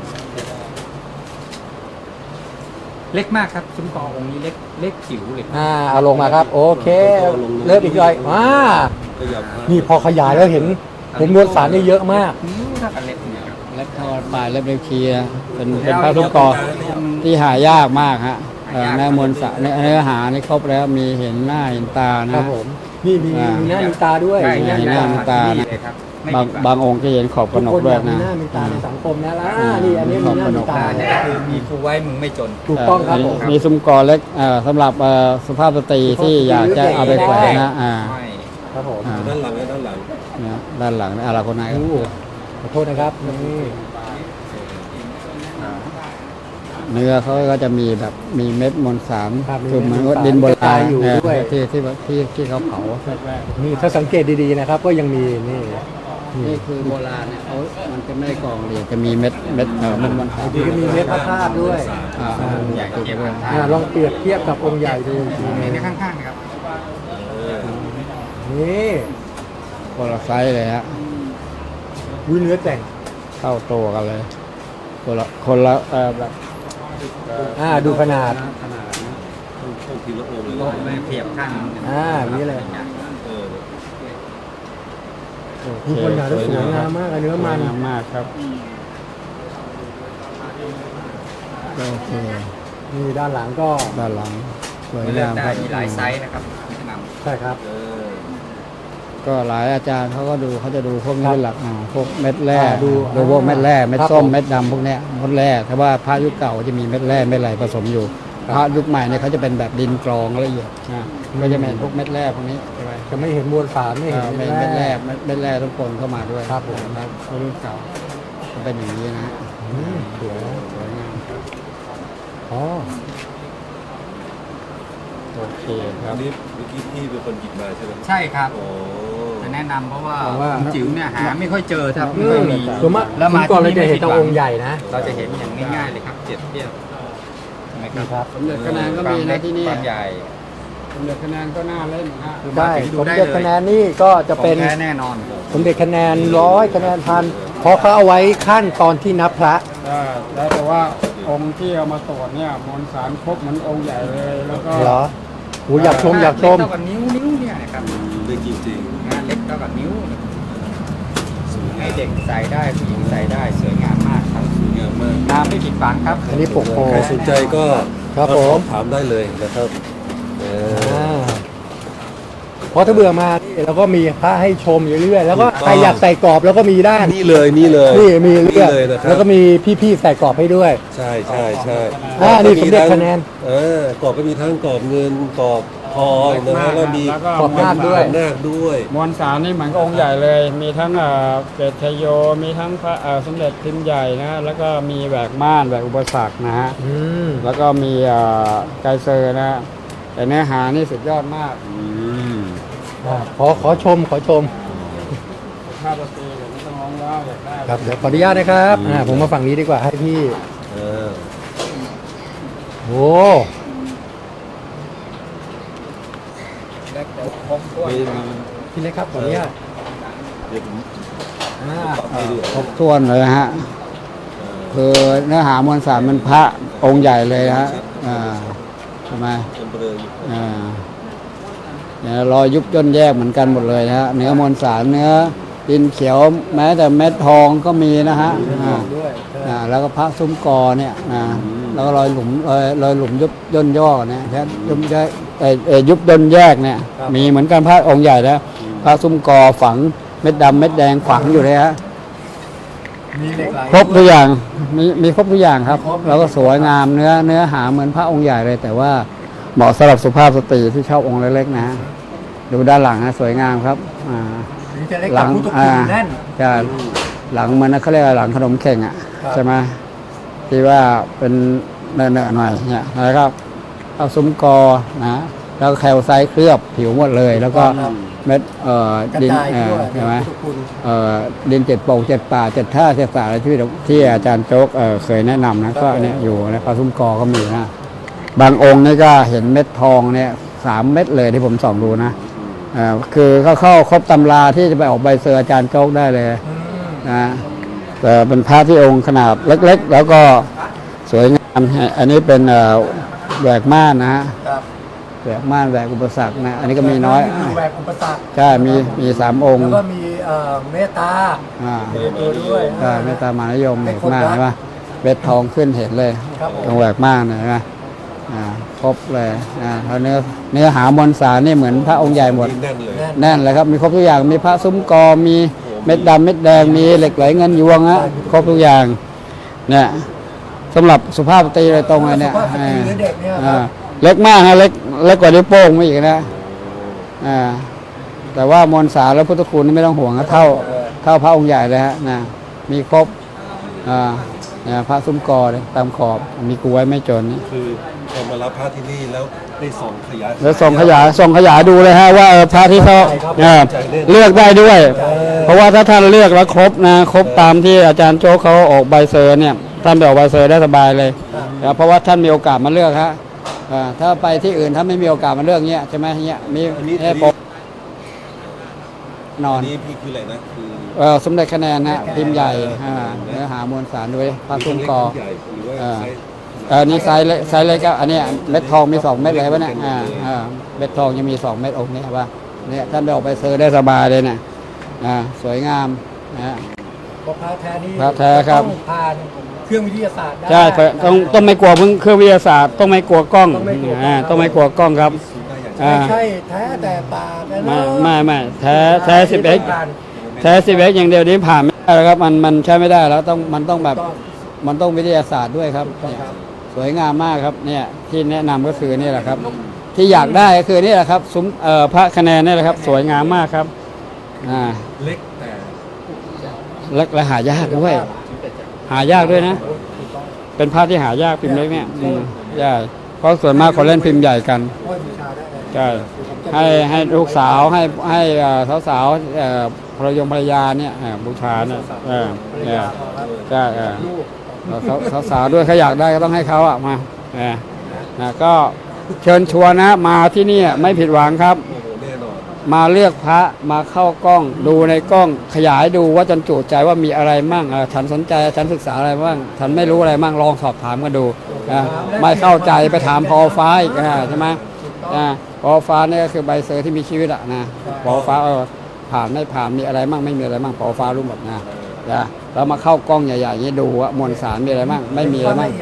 Speaker 3: เล็กมากครับซุ้มกอองค์นี้เล็กเล็กจิ๋วเลยครับ
Speaker 1: อ่าเอาลงมาครับ โอเค เริ่มอีกหน่อยอ่า
Speaker 2: ขยับมา
Speaker 1: นี่พอขยายแล้วเห็นเห็นมวลสารนี่เยอะมาก
Speaker 3: นิ้วเท่ากันเล็กเนี่ยครับ
Speaker 4: เล็บทอดปลายเล็บเล็บเคียเป็นเป็นพระทุกกอที่หายากมากฮะเอ่อในมวลสารในเนื้อหานี่ครบแล้วมีเห็นหน้าเห็นตา
Speaker 1: ครั
Speaker 4: นะ
Speaker 1: บผมนี่มี
Speaker 4: อ่ามี
Speaker 1: มีหน้ามีตาด้วย
Speaker 3: ใช่
Speaker 4: ใช่
Speaker 3: ใช่
Speaker 4: หน้ามีตา
Speaker 3: นี่เลยครับไม่
Speaker 4: บาง
Speaker 3: ผิดหวัง
Speaker 4: บางองค์จะเห็นขอบก
Speaker 1: ทุ
Speaker 4: ระ
Speaker 1: ก
Speaker 4: หน
Speaker 1: ค
Speaker 4: ก
Speaker 1: น
Speaker 4: ด้
Speaker 1: อ
Speaker 4: วย
Speaker 1: ยากมี
Speaker 4: นะ
Speaker 1: หน้ามีตาในสังคมนะล่ะ
Speaker 4: อ่า
Speaker 1: นี่อันนี้มีหน้ามีตา
Speaker 3: มีครูไว้มึงไม่จน
Speaker 1: ถูกต้องครับผม
Speaker 4: มีซุ้มกอเล็กเอ่อสำหรับเอ่อสุภาพสตรีที่อยากจะเอาไปแขวนนะอ่า
Speaker 3: ไม่
Speaker 1: ครับผม
Speaker 4: อ่า
Speaker 2: ด้านหลังนะด้านหลัง
Speaker 4: เนี่ยด้านหลังนี่อาราโคไนาย
Speaker 1: โอ้ขอโทษนะครับนี่
Speaker 4: เนื้อเขาก็จะมีแบบมีเม็ดมวลสาร
Speaker 1: ครับ
Speaker 4: คือเหมือน
Speaker 1: มี
Speaker 4: ว่า
Speaker 1: เม็ด
Speaker 4: ดินโบ
Speaker 1: มวลสาร
Speaker 4: ราณ
Speaker 1: อยู่
Speaker 4: เออ
Speaker 1: ด้วย
Speaker 4: ที่ที่ที่ที่เขาเผาแรก
Speaker 1: นี่ถ้าสังเกตดีๆนะครับ ก็ยังมีนี่
Speaker 4: ๆนี่คือโบราณเนี่ยเขามันจะไม่ได้กรองเรียงจะมีเม็ดเม็ดเออเม็ดมวลสาร
Speaker 1: ดีก็มีเม็ดพระธาตุด้วย
Speaker 4: อ่า
Speaker 3: ใหญ่เก็บไว้
Speaker 1: อ่าลองเปรียบเทียบกับองค์ใหญ่ดูอีกทีหนึง
Speaker 3: ในข้างๆนะครับ
Speaker 1: นี่
Speaker 4: คนละไซส์เลยฮะ
Speaker 1: วิเนื้อแต่ง
Speaker 4: เท่าตัวกันเลย คนละคนละเออแบบ
Speaker 1: อ่าดูขนาด
Speaker 4: ขนาดนะ
Speaker 2: ต้องต้องทีละองค์เลย
Speaker 3: โล
Speaker 2: นะ
Speaker 3: กไม่เปรียบข้าง
Speaker 1: อ่าอย่างนี้เลย
Speaker 2: เออ
Speaker 1: มีคนหนาแล้วสวยงามมากอะเนื้อมัน
Speaker 4: สวยงามมากครับโอเค
Speaker 1: นี่ด้านหลังก็
Speaker 4: ด้านหลังสวย
Speaker 3: เลือง
Speaker 4: าก ม
Speaker 3: ได้
Speaker 4: ครับ
Speaker 3: มีหลายไซส์นะครับแนะนำ
Speaker 1: ใช่ครับ
Speaker 2: เออ
Speaker 4: ก็หลายอาจารย์เขาก็ดูเขาจะดูพวกนี้เป็นหลักอ่าพวกเม็ดแร่
Speaker 1: อ่าดู
Speaker 4: ดูพวกเม็ดแร่เม็ด
Speaker 1: ครับ
Speaker 4: ส้ม
Speaker 1: ผม
Speaker 4: เม็ดดำพวกเนี้ยเม็ดแร่แต่ว่าพระยุคเก่าจะมีเม็ดแร่เม็ดอะไรผสมอยู่
Speaker 1: ครับ
Speaker 4: พระยุคใหม่เนี่ยเขาจะเป็นแบบดินกรองละเอียดนะก็จะเป็นพวกเม็ดแร่พวกนี้ใช่ไหม
Speaker 1: จะไม่เห็นมวลสารไม่เห็น
Speaker 4: อ่าเม็ดเม็ดแร่เม็ดเม็ดแร่ทุกคนเข้ามาด้วย
Speaker 1: ครับผม
Speaker 4: ครับรุ่นเก่าก็เป็นอย่างนี้นะ
Speaker 1: อืมสวยนะ
Speaker 4: สวยงามครับ
Speaker 1: อ๋อ
Speaker 4: โอเคค
Speaker 2: อั
Speaker 4: รับ
Speaker 2: นนี้เมื่อกี้พี่เป็นคนหยิบมาใช่ไหม
Speaker 3: ใช่ครับ
Speaker 2: โอ้
Speaker 3: จะแนะนำเพราะว่า
Speaker 1: เพราะว่า
Speaker 3: องค์จิ๋วเนี่ยหาไม่ค่อยเจอครับ
Speaker 1: อื
Speaker 3: ไม่ค่อย
Speaker 1: ม
Speaker 3: มี
Speaker 1: ส่วนมาก
Speaker 3: แล้วมา
Speaker 1: ก่อนเรา
Speaker 3: ที่
Speaker 1: จะ
Speaker 3: นี่
Speaker 1: เห็น
Speaker 3: ไม่ผิด
Speaker 1: แต่
Speaker 3: หวัง
Speaker 1: องค์ใหญ่นะ
Speaker 3: เราจะเห็นอย่างง่ายๆเลยครับเจ็ดเทียบใช่ไหมค
Speaker 1: นี่
Speaker 3: รับ
Speaker 1: ครับ
Speaker 4: สมเด็จคะแนนก็มีนะที่นี่
Speaker 3: ความใหญ่
Speaker 4: สมเด็จคะแนนก็น่าเล่นนะฮะ
Speaker 1: ได้
Speaker 3: ดู
Speaker 1: สม
Speaker 3: ได้
Speaker 1: เด็จ
Speaker 3: เลย
Speaker 1: คะแนนนี่ก็จะ
Speaker 3: ของ
Speaker 1: เป็น
Speaker 3: แท้แน่นอน
Speaker 1: สมเด็จคะแนนร้อยคะแนนพันเพราะเขาเอาไว้ขั้นตอนที่นับพระ
Speaker 4: ได้แล้วแต่ว่าองค์ที่เอามาตรวจเนี่ยมวลสารครบเหมือนองค์ใหญ่เลยแล้วก็
Speaker 1: เหรอโอ้อยากชมอยากชม
Speaker 3: เล็เท่ากับนิ้วนิ้วเนี่ยนะครับ
Speaker 2: ได้จริง
Speaker 3: งานเล็กเท่ากับนิ้วให้เด็กใส่ได้ผู้หญิงใส่ได้สวยงามมากครับ
Speaker 2: ๆสวยงามมาก
Speaker 3: งามไม่ผิดหวังครับ
Speaker 1: อันนี้ปกโพ
Speaker 2: ใครสนใจก็
Speaker 1: ครับ
Speaker 2: ก็
Speaker 1: ผม
Speaker 2: สอบถามได้เลยนะครับเออ
Speaker 1: อ่าเพราะถ้าเบื่อมานี่เราก็มีพระให้ชมอยู่เรื่อยแล้วก็
Speaker 2: ถูกต้อง
Speaker 1: ใครอยากใส่กรอบแล้วก็มีได้
Speaker 2: นี่เลยนี่เลย
Speaker 1: นี่มีเลือก
Speaker 2: เลยนะครับ
Speaker 1: แล้วก็มีพี่ๆใส่กรอบให้ด้วย
Speaker 2: ใช่ใช่ใช่
Speaker 1: อ่านี่สมเด็จคะแนน
Speaker 2: เออกรอบก็มีทั้งกรอบเงินกรอบทองนะฮะแล้วมี
Speaker 3: แล้วก็
Speaker 1: ขอบนาคด้วย
Speaker 2: ขอบนาคด้วย
Speaker 3: มวลสารนี่เหมือนกับองค์ใหญ่เลย มีทั้งเอ่อเกศชโย มีทั้งพระเอ่อสมเด็จพิมพ์ใหญ่นะฮะแล้วก็มีแหวกม่านแหวกอุปสรรคนะฮะ
Speaker 1: อืม
Speaker 3: แล้วก็มีเอ่อไกเซอร์นะฮะแต่เนื้อหานี่สุดยอดมาก
Speaker 2: อืม
Speaker 1: อ่าขอขอชมขอชม
Speaker 3: ภาพตีเดี๋ยวไม่ต้องร้องแล้วอยากได้
Speaker 1: ครับเดี๋ยวขออนุญาตนะครับอ่าผมมาฝั่งนี้ดีกว่าให้พี่
Speaker 2: เออ
Speaker 1: โอ้
Speaker 3: ครบถ้วน
Speaker 2: มี
Speaker 1: พี่เล็กครับขออนุญาต
Speaker 2: เดี๋ยวผม
Speaker 1: อ่า
Speaker 2: ปรับให้ดู
Speaker 3: ครบถ้วนเลยนะฮะคือเนื้อหามวลสารมันพระองค์ใหญ่เลยนะฮะอ่าทำไม
Speaker 2: เป็นเบลออยู่
Speaker 3: อ่าเนี่ยรอยยุบย่นแยกเหมือนกันหมดเลยนะฮะเนื้อมวลสารเนื้อดินเขียวแม้แต่เม็ดทองก็มีนะฮะอ่า
Speaker 1: ด้วย
Speaker 3: อ่าแล้วก็พระซุ้มกอเนี่ยอ่าแล้วก็รอยหลุมรอยรอยหลุมยุบย่นย่อเนี่ยแค่ยุบแยกเอ่อเอ่อยุบย่นแยกเนี่ยมีเหมือนกันพระองค์ใหญ่นะพระซุ้มกอฝังเม็ดดำเม็ดแดงฝังอยู่เลยฮะ
Speaker 1: มีเหล็กไหล
Speaker 3: ครบทุกอย่างมีมีครบทุกอย่างครับ
Speaker 1: ครบ
Speaker 3: แล้วก็สวยงามเนื้อเนื้อหาเหมือนพระองค์ใหญ่เลย แต่ว่าเหมาะสำหรับสุภาพสตรีที่ชอบองค์เล็กๆนะฮะดูด้านหลังนะสวยงามครับอ่า
Speaker 1: ถึงจะเล็ก
Speaker 3: หลั
Speaker 1: แต่
Speaker 3: ง
Speaker 1: พุทธคุ
Speaker 3: อ่า
Speaker 1: ณแน่น
Speaker 3: จะหลังมันนะเขาเรียกว่าหลังขนมเข่งอ่ะ
Speaker 1: ครับ
Speaker 3: ใช่ไหมที่ว่าเป็นเนื้อๆหน่อยเนี่ยแล้วก็เอาซุ้มกอนะแล้วก็แคลไซต์เคลือบผิวหมดเลย แล้วก็เม็ดเอ่อก
Speaker 1: ระ
Speaker 3: ดิน
Speaker 1: จาย
Speaker 3: เอ่
Speaker 1: ทั่
Speaker 3: อ
Speaker 1: ว
Speaker 3: ใช่ไหม
Speaker 1: พุทธคุณ
Speaker 3: เอ่อดินเจ็ดโป่งเจ็ดป่าเจ็ดท่าเจ็ดสาอะไรที่ที่อาจารย์โจ๊กเอ่อเคยแนะนำนะก็เนี่ยอยู่นะปลาซุ้มกอก็มีนะบางองค์นี่ก็เห็นเม็ดทองเนี่ยสามเม็ดเลยที่ผมส่องดูนะเอ่อคือเขาเข้าครบตำราที่จะไปออกใบเซอร์อาจารย์โจ๊กได้เลย
Speaker 1: อืม
Speaker 3: นะแต่เป็นพระที่องค์ขนาดเล็กๆ แล้วก็สวยงามอันนี้เป็นเอ่อแหวกม่านนะฮะ
Speaker 1: ครับ
Speaker 3: แหวกม่านแหวกอุปสรรคนะอันนี้ก็มีน้อย
Speaker 1: มีแหวกอุปสรรค
Speaker 3: ใช่มีมีสามองค์
Speaker 1: แล้วก็มีเอ่อเมตตา
Speaker 3: อ่า
Speaker 1: ในตัวด้วย
Speaker 3: ใช่เมตตามหานิยม
Speaker 1: ให้
Speaker 3: แหวก
Speaker 1: คน
Speaker 3: ม่าน
Speaker 1: รัก
Speaker 3: ใช่ปะเบ็ดทองขึ้นเห็นเลย
Speaker 1: ครับผม
Speaker 3: ตรงแหวกม่านเนี่ยใช่ไหมอ่าครบเลยอ่าแล้วเนื้อเนื้อหามวลสารนี่เหมือนพระองค์ใหญ่หมด
Speaker 2: แน่นเลย
Speaker 1: แน่น
Speaker 3: แน่นเลยครับมีครบทุกอย่างมีพระซุ้มกอมีเม็ดดำเม็ดแดงมีเหล็กไหลเงินยวงฮะครบทุกอย่างเนี่ยสำหรับสุภาพสตรีเลยตรงเลยเนี่ย
Speaker 1: สุภาพสตรีหรือเด็กเนี่ยค
Speaker 3: อ่า
Speaker 1: รับ
Speaker 3: เล็กมากฮะเล็กเล็กกว่านิ้วโป้งไม่อีกนะอ่าแต่ว่ามวลสารและพุทธคุณนี่ไม่ต้องห่วงนะเท่าเท่าพระองค์ใหญ่เลยฮะนะมีครบอ่าเนี่ยพระซุ้มกอเนี่ยตามขอบมีกูไว้ไม่จนนี่
Speaker 2: คือพอมารับพระที่นี่แล้วได้ส่งขยาย
Speaker 3: แล้วส่งขยายส่งขยายดูเลยฮะว่าเออพระที่เขาเออเลือกได้ด้วย เพราะว่าถ้าท่านเลือกแล้วครบนะครบตามที่อาจารย์โจ๊กเขาออกใบเซอร์เนี่ยท่านไปออกใบเซอร์ได้สบายเลยนะเพราะว่าท่านมีโอกาสมาเลือกฮะอ่าถ้าไปที่อื่นถ้าไม่มีโอกาสมาเลือกเงี้ยใช่ไหมเงี้ยมี
Speaker 2: อันนี้
Speaker 3: ให้
Speaker 2: อัน
Speaker 3: ป
Speaker 2: นี้
Speaker 3: กนอ
Speaker 2: อั
Speaker 3: น
Speaker 2: นนี้พี่คืออะไรนะคือ
Speaker 3: เออสมเด็จคะแนนนะพิมพ์ใหญ่อ่าเนื้อหามวลสารด้วยพระซุ้มกอ
Speaker 2: ใหญ่หรือว่า
Speaker 3: อ่า
Speaker 2: ไซส์
Speaker 3: เออนี่ไซส์เล็กไซส์เล็กก็อันเนี้ยเม็ดทองมีสองเม็ดเลยปะเนี่ยอ่าอ่าเม็ดทองยังมีสองเม็ดองค์นี้ป่ะเนี่ยท่านไปออกไปเซอร์ได้สบายเลยเนี่ยอ่าสวยงามนะฮะ
Speaker 1: เพราะพระแท้นี่
Speaker 3: พระแท้ครับ
Speaker 1: ต้องผ่านเครื่องวิทยาศาสตร์ได้
Speaker 3: ใช่ต้องต้องไม่กลัวเครื่องวิทยาศาสตร์ต้องไม่กลัวกล้อง
Speaker 1: ต้องไม่กลัวกล้อง
Speaker 3: อ่าต้องไม่กลัวกล้องครับ
Speaker 2: สูงได้อย่าง
Speaker 3: อ่า
Speaker 1: ไม่ใช่แท้แต่ปากนะ
Speaker 3: ไม่
Speaker 1: เนอะ
Speaker 3: ไม่ไม่แท้แท้สิบเอ็ก
Speaker 1: ผ่าน
Speaker 3: แท้สิบเอ็กอย่างเดียวนี้ผ่านไม่ได้แล้วครับมันมันใช้ไม่ได้แล้วต้องมันต้องแบบ
Speaker 1: ต้อง
Speaker 3: มันต้องวิทยาศาสตร์ด้วยครับเนี่ยสวยงามมากครับเนี่ยที่แนะนำก็คือนี่แหละครับ ที่อยากได้ก็คือนี่แหละครับซุ้มเอ่อพระคะแนนนี่แหละครับ สวยงามมากครับอ่า
Speaker 2: เล็กแต่
Speaker 3: และและหายากด้วยหายากด้วยนะ เป็นพระที่หายากพิมพ์เล็กเนี่ยอืมใช่เพราะส่วนมากเขาเล่นพิมพ์ใหญ่กัน
Speaker 1: โอ้ยบูชาได้เลย
Speaker 3: ใช่ให้ให้ลูกสาวให้ให้สาวสาวๆเอ่อภรรยงภรรยาเนี่ยเอ่อบูชาเนี่ยเออเนี่ยใช่เออ
Speaker 1: ลูก
Speaker 3: สาวสาวสาวด้วยเขาอยากได้ก็ต้องให้เขาอ่ะมาเออนะก็เชิญชวนนะมาที่นี่ไม่ผิดหวังครับ
Speaker 2: โอ้โหแน่นอน
Speaker 3: มาเลือกพระมาเข้ากล้องดูในกล้องขยายดูว่าจันจุใจว่ามีอะไรมั่งเอ่อฉันสนใจฉันศึกษาอะไรบ้างฉันไม่รู้อะไรมั่งลองสอบถามกันดูนะไม่เข้าใจไปถามพอฟ้าอีกนะใช่ไหมนะพอฟ้าเนี่ยก็คือใบเซอร์ที่มีชีวิตอะนะพอฟ้าเออผ่านไม่ผ่านมีอะไรมั่งไม่มีอะไรมั่งพอฟ้ารู้หมดนะนะแล้วมาเข้ากล้องใหญ่ๆอย่างนี้ดูว่ามวลสารมีอะไรมั่งไม่มีอะไรมั่ง
Speaker 1: ละเอียดของพระ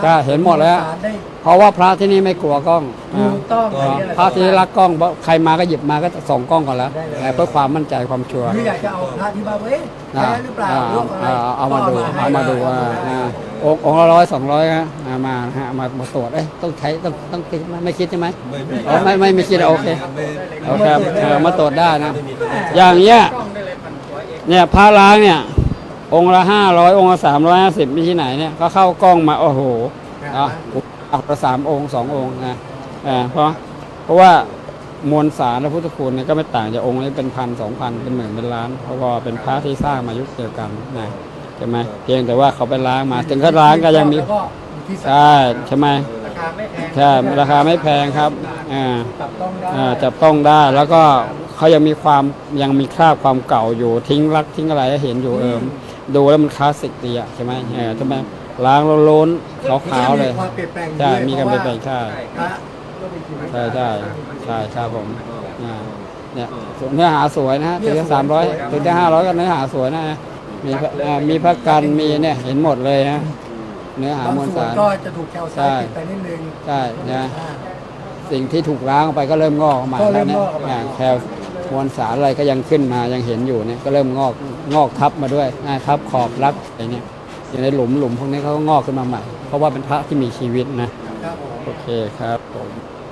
Speaker 3: ใช่เห็นหมดแล้ว
Speaker 1: ได้
Speaker 3: เพราะว่าพระที่นี่ไม่กลัวกล้อง
Speaker 1: ถูกต้อง
Speaker 3: อ่า
Speaker 1: เลยเนี่ยแหละ
Speaker 3: พระที่รักกล้องเพราะใครมาก็หยิบมาก็ส่องกล้องก่อนแล้ว
Speaker 1: ได้เลย
Speaker 3: เพื่อความมั่นใจความชัวร์
Speaker 1: หรืออยากจะเอาพระที่บ้านเว้ย
Speaker 3: อ่า
Speaker 1: แท้หรือเปล่า
Speaker 3: อ่า
Speaker 1: รูปอะไร
Speaker 3: อ่าเอามาดู
Speaker 1: ก็
Speaker 3: เอามาดูว่าอ่าองค์องค์ละร้อยสองร้อยนะอ่ามาฮะมามาตรวจเอ้ยต้องใช้ต้องต้องคิดไหมไม่คิดใช่ไหม
Speaker 2: ไม่ไม่
Speaker 3: อ๋อไม่ไม่ไม่คิดโอเค
Speaker 2: ไม่
Speaker 3: โอเคครับเออมาตรวจได้นะ อย่างเงี้ยเนี่ยพระล้างเนี่ย องค์ละห้าร้อยองค์ละสามร้อยห้าสิบมีที่ไหนเนี่ยก็เข้ากล้องมาโอ้โหอ่ะเอาละสามองค์สององค์นะอ่าเพราะเพราะว่ามวลสารพระพุทธคุณเนี่ยก็ไม่ต่างจากองค์นี้เป็นพันสองพันเป็นหมื่นเป็นล้าน เพราะว่าเป็นพระที่สร้างมายุคเดียวกันนะใช่ไหมเพียงแต่ว่าเขาไปล้างมาถึงเขาล้างก็ยังมี
Speaker 1: แล้วก็อยู่ที่
Speaker 3: ใช่ใช่ไหม
Speaker 1: ราคาไม่แพง
Speaker 3: ใช่ราคาไม่แพงครับอ่า
Speaker 1: จับต้องได้
Speaker 3: อ่าจับต้องได้แล้วก็เขายังมีความยังมีคราบความเก่าอยู่ทิ้งรักทิ้งอะไรให้เห็นอยู่เอิมดูแล้วมันคลาสสิกดีอ่ะใช่ไหมเออใช่ไหมล้างโล้นๆขาวๆเลย
Speaker 1: มีความเปลี่ยนแปลง
Speaker 3: ใช่
Speaker 1: ด้วย
Speaker 3: มีการเปลี่ยนแปลงใช่
Speaker 1: พระก็มีชีวิต
Speaker 3: ใช่ใช่ใช่ครับผมอ่าเนี่ยส่วนเนื้อหาสวยนะฮะถึงจะสามร้อยถึงจะห้าร้อยก็เนื้อหาสวยนะมีพระอ่ามีพระกันมีเนี่ยเห็นหมดเลยนะเนื้อหา
Speaker 1: บาง
Speaker 3: มวล
Speaker 1: ส่วน
Speaker 3: สาร
Speaker 1: ก็จะถูกแคลไซ
Speaker 3: ใช่
Speaker 1: ด์ติดไปนิดนึง
Speaker 3: ใช่นะ
Speaker 1: อ่า
Speaker 3: สิ่งที่ถูกล้างออกไปก็เริ่มงอกออกมา
Speaker 1: ก็เริ่
Speaker 3: แล้ว
Speaker 1: ม
Speaker 3: เนี่
Speaker 1: ง
Speaker 3: ย
Speaker 1: อกออกมา
Speaker 3: อ่าแคลมวลสารอะไรก็ยังขึ้นมายังเห็นอยู่เนี่ยก็เริ่มงอกงอกทับมาด้วยอ่าทับขอบรักอะไรเนี่ยอยู่ในหลุมหลุมพวกนี้เขาก็งอกขึ้นมาใหม่ เพราะว่าเป็นพระที่มีชีวิตนะครับ
Speaker 1: ผม
Speaker 3: โอเคครับผม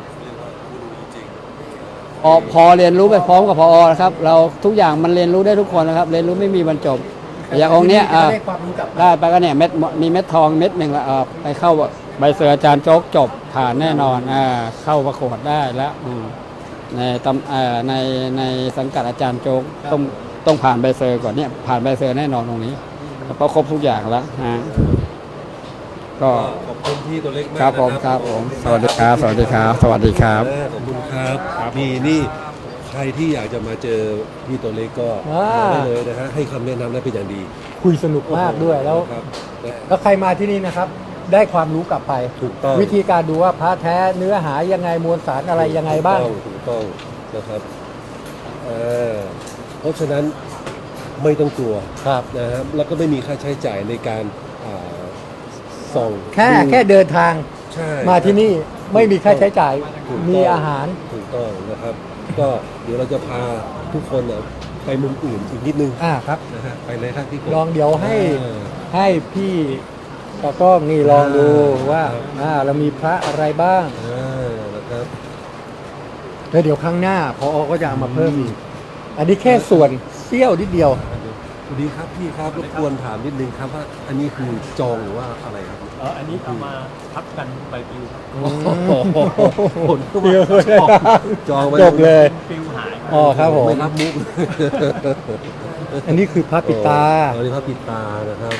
Speaker 3: พอพอเรียนรู้ไปพร้อมกับพอนะครับเราทุกอย่างมันเรียนรู้ได้ทุกคนนะครับ เรียนรู้ไม่มีบรรจบอย่างองค์เนี้ยอ่า
Speaker 1: ได้ความรู้กลับมา
Speaker 3: ได้ไปก็เนี่ยเม็ดมีเม็ดทองเม็ดหนึ่งละเออไปเข้าใบเสืออาจารย์โจ๊กจบผ่านแน่นอนอ่าเข้าประกวดได้แล้วอืมในตำเอ่อในในสังกัดอาจารย์โจ๊กต้องต้องผ่านใบเซอร์ก่อนเนี่ยผ่านใบเซอร์แน่นอนตรงนี้เพราะครบทุกอย่างแล้วฮะก็
Speaker 2: ขอบคุณพี่ตัวเล็กมาก
Speaker 3: ครับผม
Speaker 2: นะครับ
Speaker 3: ผมสวัสดีครับสวัสดีครับ สวัสดีครับ
Speaker 2: ขอบคุณครับนี่นี่ใครที่อยากจะมาเจอพี่ตัวเล็กก็
Speaker 1: อ่าม
Speaker 2: มาได้เลยนะฮะให้คำแนะนำได้เป็นอย่างดี
Speaker 1: คุยสนุกมากด้วยแล้ว
Speaker 2: ครับและ
Speaker 1: แล้วใครมาที่นี่นะครับ ได้ความรู้กลับไป
Speaker 2: ถูกต้อง
Speaker 1: วิธีการดูว่าพระแท้เนื้อหายังไงมวลสารอะไรยังไงบ้าง
Speaker 2: ถูกต้องถูกต้องนะครับเอ่อเพราะฉะนั้นไม่ต้องกลัว
Speaker 1: ครับ
Speaker 2: นะครับแล้วก็ไม่มีค่าใช้จ่ายในการอ่าส่อง
Speaker 1: แค่
Speaker 2: ดู
Speaker 1: แค่เดินทาง
Speaker 2: ใช่
Speaker 1: มาที่นี่ไม่มีค่าใช้จ่าย
Speaker 2: ถูกต้อง
Speaker 1: มีอาหาร
Speaker 2: ถูกต้องนะครับ ก็เดี๋ยวเราจะพาทุกคนน่ะไปมุมอื่นอีกนิดนึง
Speaker 1: อ่าครับ
Speaker 2: นะฮะไปเลยครับพี่กบ
Speaker 1: ลองเดี๋ยวให้
Speaker 2: เออ
Speaker 1: ให้พี่ตากล้องนี่ลองดู
Speaker 2: อ่า
Speaker 1: ว่า
Speaker 2: ครับ
Speaker 1: อ่าเรามีพระอะไรบ้าง
Speaker 2: อ่านะครับ
Speaker 1: แล้วเดี๋ยวครั้งหน้าพอก็จะเอามาเพิ่มอีกอันนี้แค่ส่วนเสี้ยวนิดเดียว
Speaker 2: สวัสดีครับพี่ครับรบกวนถามนิดนึงครับว่าอันนี้คือจองหรือว่าอะไรครับ
Speaker 5: เอออันนี้เอามาทับกันใบปลิวครับ
Speaker 2: ผลก็
Speaker 1: เดียว
Speaker 2: มา
Speaker 1: เลย
Speaker 2: จองจองไว้
Speaker 1: จบเลย
Speaker 5: ปลิวหายครับ
Speaker 1: อ๋อครับผม
Speaker 2: ไม่รับมุก
Speaker 1: อันนี้คือพระปิดตา
Speaker 2: อันนี้พระปิดตานะครับ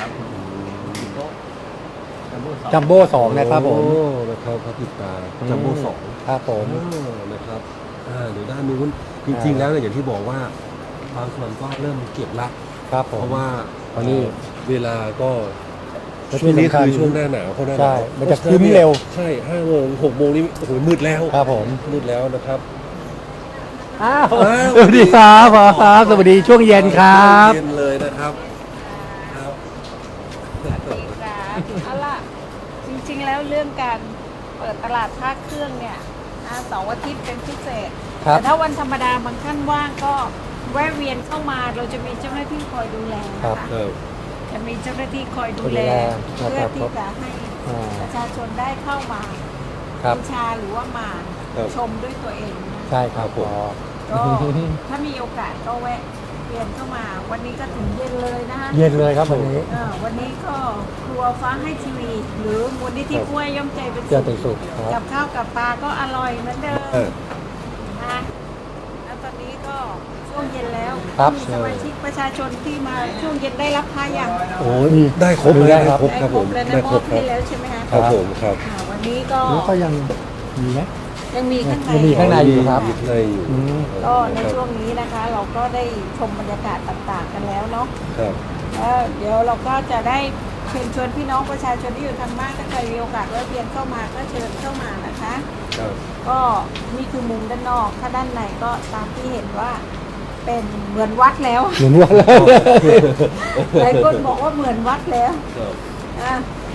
Speaker 1: จัมโบ้สองนะครับผม
Speaker 2: โอ้นะครับพระปิดตาจัมโบ้สอง
Speaker 1: ครับผม
Speaker 2: อ๋อนะครับอ่าเดี๋ยวด้านนู้นจริงๆแล้วเนี่ยอย่างที่บอกว่าบางส่วนก็เริ่มเก็บละ
Speaker 1: ครับผ
Speaker 2: เพ
Speaker 1: ม
Speaker 2: ราะว่า
Speaker 1: อันนี้
Speaker 2: เวลาก็
Speaker 1: และ
Speaker 2: ช่วงนี้
Speaker 1: ที่สำคัญ
Speaker 2: คือช่วงหน้าหนาวเขาหน้าห
Speaker 1: ใช่
Speaker 2: นาว
Speaker 1: มันจะครึ้มเร็ว
Speaker 2: ใช่ห้าโมงหกโมงนี้โอ้โหมืดแล้ว
Speaker 1: ครับผม
Speaker 2: มืดแล้วนะครับ
Speaker 1: อ้าว
Speaker 2: อ้าว
Speaker 1: สวัสดีครับหมอครับสวัสดีช่วงเย็นครับ
Speaker 2: เย็นเลยนะครับครับ
Speaker 6: จ้าเอาล่ะจริงๆแล้วเรื่องการเปิดตลาดภาคเครื่องเนี่ยนะเสาร์อาทิตย์เป็นพิเศษ
Speaker 1: ครับ
Speaker 6: แต่ถ้าวันธรรมดาบางท่านว่างก็แวะเวียนเข้ามาเราจะมีเจ้าหน้าที่คอยดูแล
Speaker 1: ครับ
Speaker 6: นะคะ
Speaker 2: เออ
Speaker 6: จะมีเจ้าหน้าที่คอยดูแล
Speaker 1: คอยดูแล
Speaker 6: เพื่อ
Speaker 1: ครับ
Speaker 6: ที่จะให้
Speaker 1: อ่า
Speaker 6: ประชาชนได้เข้ามา
Speaker 1: ครับ
Speaker 6: บูชาหรือว่ามา
Speaker 2: ครับ
Speaker 6: ชมด้วยตัวเองนะ
Speaker 1: ใช่ครับ
Speaker 2: ครับผม
Speaker 1: อ๋อ
Speaker 6: ก็ถ้ามีโอกาสก็แวะเวียนเข้ามา วันนี้ก็ถึงเย็นเลยนะคะ
Speaker 1: เย็นเลยครับวันนี้
Speaker 6: เอ่อวันนี้ก็ครัวฟ้าให้ทีวี หรือมูลนิธิกล้วยย่อมใจเป็น
Speaker 1: เจอเป็นสุขค
Speaker 6: กั
Speaker 1: รั
Speaker 6: บบ ข้าวกับปลาก็อร่อยเหมือนเดิม
Speaker 2: เออ
Speaker 6: นะแล้วตอนนี้ก็ช่วงเย็นแล้ว
Speaker 1: ครับ
Speaker 6: มีสมาชิกประชาชนที่มาช่วงเย็นได้รับพาอย่าง
Speaker 2: โอ้ยได้ครบเลย
Speaker 1: ได้
Speaker 2: ได้
Speaker 1: ครับ
Speaker 2: ครบครับผม
Speaker 6: แล้วนะ
Speaker 2: ได้
Speaker 6: ม
Speaker 2: คร
Speaker 6: อ
Speaker 2: บบ ครั
Speaker 6: ให้
Speaker 2: บ
Speaker 6: แล้วใช่ไหมคะ
Speaker 2: ครับผมครับ
Speaker 6: อ่าวันนี้ก็
Speaker 1: แล้วก็ยังมีไหม
Speaker 6: ยังมีข้างใน
Speaker 1: ยังมีข้างใน อยู่ครับ
Speaker 2: มีข้างในอยู่
Speaker 1: อืม
Speaker 6: ก็ในช่วงนี้นะคะ เราก็ได้ชมบรรยากาศต่างๆกันแล้วเนาะ
Speaker 2: ครับ
Speaker 6: แล้วเดี๋ยวเราก็จะได้เชิญชวนพี่น้องประชาชนที่อยู่ทางบ้านถ้าใครมีโอกาสแวะเวียนเข้ามาก็เชิญเข้ามานะคะ
Speaker 2: ครับ
Speaker 6: ก็นี่คือมุมด้านนอก ถ้าด้านในก็ตามที่เห็นว่าเป็นเหมือนวัดแล้ว
Speaker 1: เหมือนว่าแล้ว
Speaker 6: หลายคนบอกว่าเหมือนวัดแล้ว
Speaker 2: ครับ
Speaker 6: อ่ะ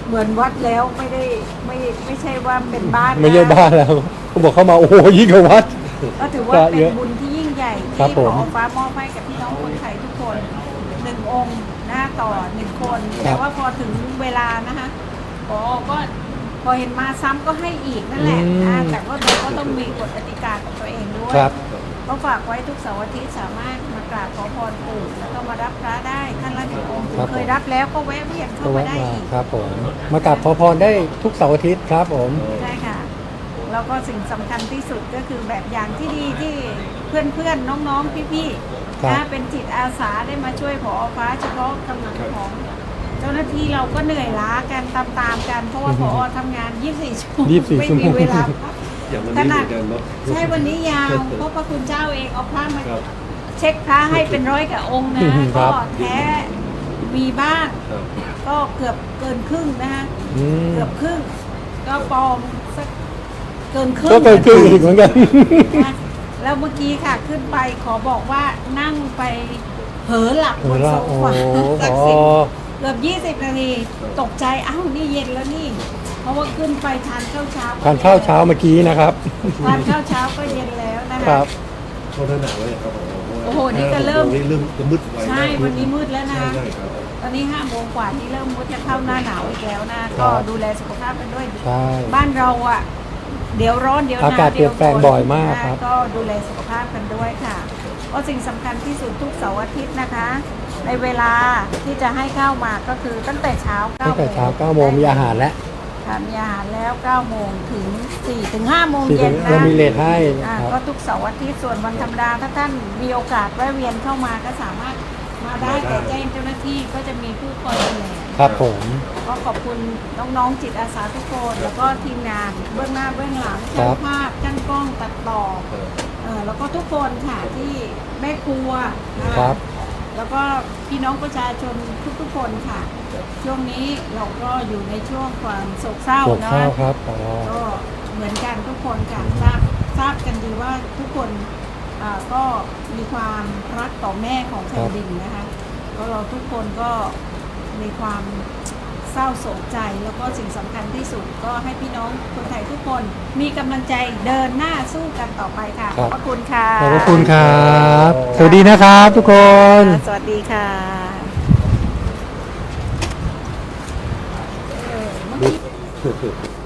Speaker 6: เหมือนวัดแล้วไม่ได้ไม่ไม่ใช่ว่าเป็นบ้านนะ
Speaker 1: ไม่ใช่บ้านแล้วเขาบอกเข้ามาโอ้โหยิ่งกว่าวัด
Speaker 6: ก็ถือว่า
Speaker 1: ก็
Speaker 6: เป็
Speaker 1: เย
Speaker 6: น
Speaker 1: อะ
Speaker 6: บุญที่ยิ่งใหญ่
Speaker 1: ครับ
Speaker 6: ที่
Speaker 1: ผ
Speaker 6: ข
Speaker 1: ม
Speaker 6: อฟ้ามอบให้กับพี่น้องคนไทยทุกคนหนึ่งองค์หน้าต่อหนึ่งคน
Speaker 1: ครับ
Speaker 6: แต่ว่าพอถึงเวลานะคะพอก็พอเห็นมาซ้ำก็ให้อีกนั่นแหละนะแต่ว่าเราก็ต้องมีกฎกติกาของตัวเองด้วย
Speaker 1: ครับ
Speaker 6: ก็ฝากไว้ทุกเสาร์อาทิตย์สามารถมากราบขอพรปู่แล้วก็มารับพระได้ท่านละหนึ่งองค์
Speaker 1: ครับผม
Speaker 6: เคยรับแล้วก็แวะเวียนเข้า
Speaker 1: ก็
Speaker 6: มา
Speaker 1: แวะ
Speaker 6: ได้
Speaker 1: มา
Speaker 6: อีก
Speaker 1: ครับผมมากราบขอพรได้ทุกเสาร์อาทิตย์ครับผม
Speaker 6: ใช่ค่ะแล้วก็สิ่งสำคัญที่สุดก็คือแบบอย่างที่ดีที่เพื่อนๆน้องๆพี่ๆ
Speaker 1: ครับ
Speaker 6: นะเป็นจิตอาสาได้มาช่วยผอฟ้าเฉพาะกำลังของเจ้าหน้าที่เราก็เหนื่อยล้ากันตามๆกัน เพราะว่าผอทำงาน ยี่สิบสี่ ชั่วโมง
Speaker 1: ยี่สิบสี่
Speaker 6: ไม่
Speaker 1: ชั่วโม
Speaker 6: มี
Speaker 1: ง
Speaker 6: เวลาพัก
Speaker 2: อย่างวันนี้เหมือนกันเนาะ
Speaker 6: ใช่วันนี้ยาวเพราะพระคุณเจ้าเองเอาพระมา
Speaker 2: ครับ
Speaker 6: เช็คพระให้เป็นร้อยกับองค์นะ
Speaker 1: ครั
Speaker 6: ก็
Speaker 1: บ
Speaker 6: แท้มีบ้าง
Speaker 2: ครับ
Speaker 6: ก็เกือบเกินครึ่งนะคะ
Speaker 1: อืม
Speaker 6: เกือบครึ่ง ก็ปลอมสักเกินครึ่ง
Speaker 1: ก็เกินครึ่งอีกเหมือนกัน
Speaker 6: นะแล้วเมื่อกี้ค่ะขึ้นไปขอบอกว่านั่งไปเผลอหลับบนโซฟา
Speaker 1: โอ้โห
Speaker 6: สักสิบเกือบยี่สิบนาทีตกใจอ้าวนี่เย็นแล้วนี่ เพราะว่าขึ้นไปทานข้าวเช้า
Speaker 1: ทานข้าวเช้าเมื่อกี้นะครับ
Speaker 6: ทานข้าวเช้าก็เย็นแล้วนะ
Speaker 1: ครั
Speaker 6: คะ
Speaker 1: บ
Speaker 2: เขาหนาไว้ครับผม
Speaker 6: โอ้โหนี่ก็เริ่ม
Speaker 2: นี่เริ่มจะมืดไว
Speaker 6: ใช่วันนี้มืดแล้วนะ
Speaker 2: ใช่ใช่ครับ
Speaker 6: ตอนนี้ห้าโมงกว่าที่เริ่มมุดจะเข้าหน้าหนาวอีกแล้วนะ
Speaker 1: ครั
Speaker 6: ก็
Speaker 1: บ
Speaker 6: ดูแลสุขภาพกันด้วย
Speaker 1: ใช่
Speaker 6: บ้านเราอ่ะ เดี๋ยวร้อนเดี๋ยวหนาว
Speaker 1: อากาศเปลี่ยนแปลงบ่อยมากครับ
Speaker 6: นะก็ดูแลสุขภาพกันด้วยค่ะก็สิ่งสำคัญที่สุดทุกเสาร์อาทิตย์นะคะ ในเวลาที่จะให้เข้ามาก็คือตั้งแต่เช้าเก้า
Speaker 1: ตั้งแต่เช้าเก้าโมงมีอาหารแล้ว
Speaker 6: ค่ะมีอาหารแล้วเก้าโมงถึงสี่ถึงห้าโมง
Speaker 1: สี่
Speaker 6: เย็น
Speaker 1: เรา
Speaker 6: นะ
Speaker 1: มีเลทให้
Speaker 6: อ่า
Speaker 1: ครับ
Speaker 6: ก็ทุกเสาร์อาทิตย์ส่วนวันธรรมดาถ้าท่านมีโอกาสแวะเวียนเข้ามาก็สามารถมาได้แต่แจ้งเจ้าหน้าที่ก็จะมีผู้คอยดูแล
Speaker 1: ครับผม
Speaker 6: ก็ขอบคุณน้องๆจิตอาสาทุกคนแล้วก็ทีมงานเบื้องหน้าเบื้องหลัง
Speaker 1: ครั
Speaker 6: ช่าง
Speaker 1: บ
Speaker 6: ภาพช่างกล้องตัดต่อเออแล้วก็ทุกคนค่ะที่แม่ครัวนะะ
Speaker 1: ครับ
Speaker 6: แล้วก็พี่น้องประชาชนทุกๆคนค่ะ ช่วงนี้เราก็อยู่ในช่วงความโศกเศร้า
Speaker 1: ปวด
Speaker 6: เนาะ
Speaker 1: ข้าวครับอ๋อ
Speaker 6: ก็เหมือนกันทุกคนค่ะทราบทราบกันดีว่าทุกคนอ่าก็มีความรักต่อแม่ของแผ่นดินนะคะก็เราทุกคนก็มีความเศร้าโศกใจแล้วก็สิ่งสำคัญที่สุดก็ให้พี่น้องคนไทยทุกคนมีกำลังใจเดินหน้าสู้กันต่อไปค่ะขอบพระคุณค่ะ
Speaker 1: ขอบพระคุณครับ สวัสดีนะครับทุกคน
Speaker 6: สวัสดีค่ะ
Speaker 2: คือ